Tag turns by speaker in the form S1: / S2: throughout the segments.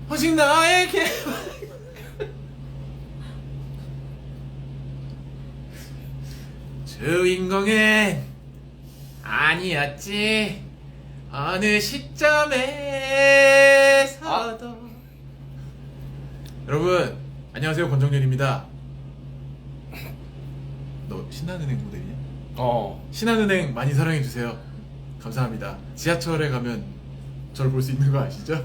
S1: 오직 나에게 주인공은 아니었지 어느 시점에서도. 여러분 안녕하세요, 권정렬입니다. 너 신한은행 모델이냐? 신한은행 많이 사랑해주세요. 감사합니다. 지하철에 가면 저를 볼 수 있는 거 아시죠?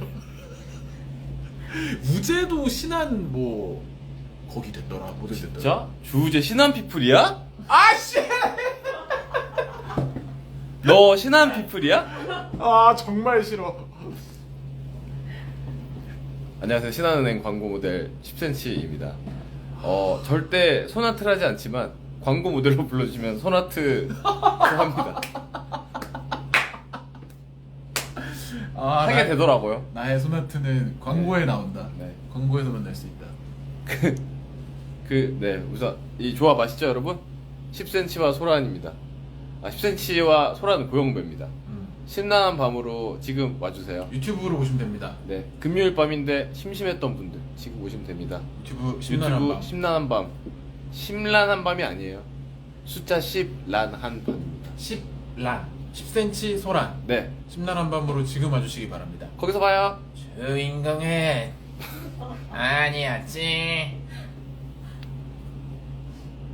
S1: 무제도 신한 뭐 거기 됐더라, 모델 됐더라.
S2: 진짜? 주우재 신한 피플이야?
S1: 아씨!
S2: 너 신한 피플이야?
S1: 아 정말 싫어.
S2: 안녕하세요. 신한은행 광고 모델 10cm입니다. 절대 소나트를 하지 않지만 광고 모델로 불러주시면 소나트 합니다. 하게 되더라고요.
S1: 나의 소나트는 광고에 나온다.
S2: 네.
S1: 광고에서 만날 수 있다.
S2: 네, 우선 이 조합 아시죠, 여러분? 10cm와 소란입니다. 10cm와 소란은 고영배입니다. 신나는 밤으로 지금 와주세요.
S1: 유튜브로 보시면 됩니다.
S2: 네, 금요일 밤인데 심심했던 분들 지금 오시면 됩니다.
S1: 유튜브 심란한 밤.
S2: 심란한 밤. 심란한 밤이 아니에요. 숫자 10란한 밤입니다.
S1: 10란 10cm 소란.
S2: 네,
S1: 심란한 밤으로 지금 와주시기 바랍니다.
S2: 거기서 봐요.
S1: 주인공은 아니었지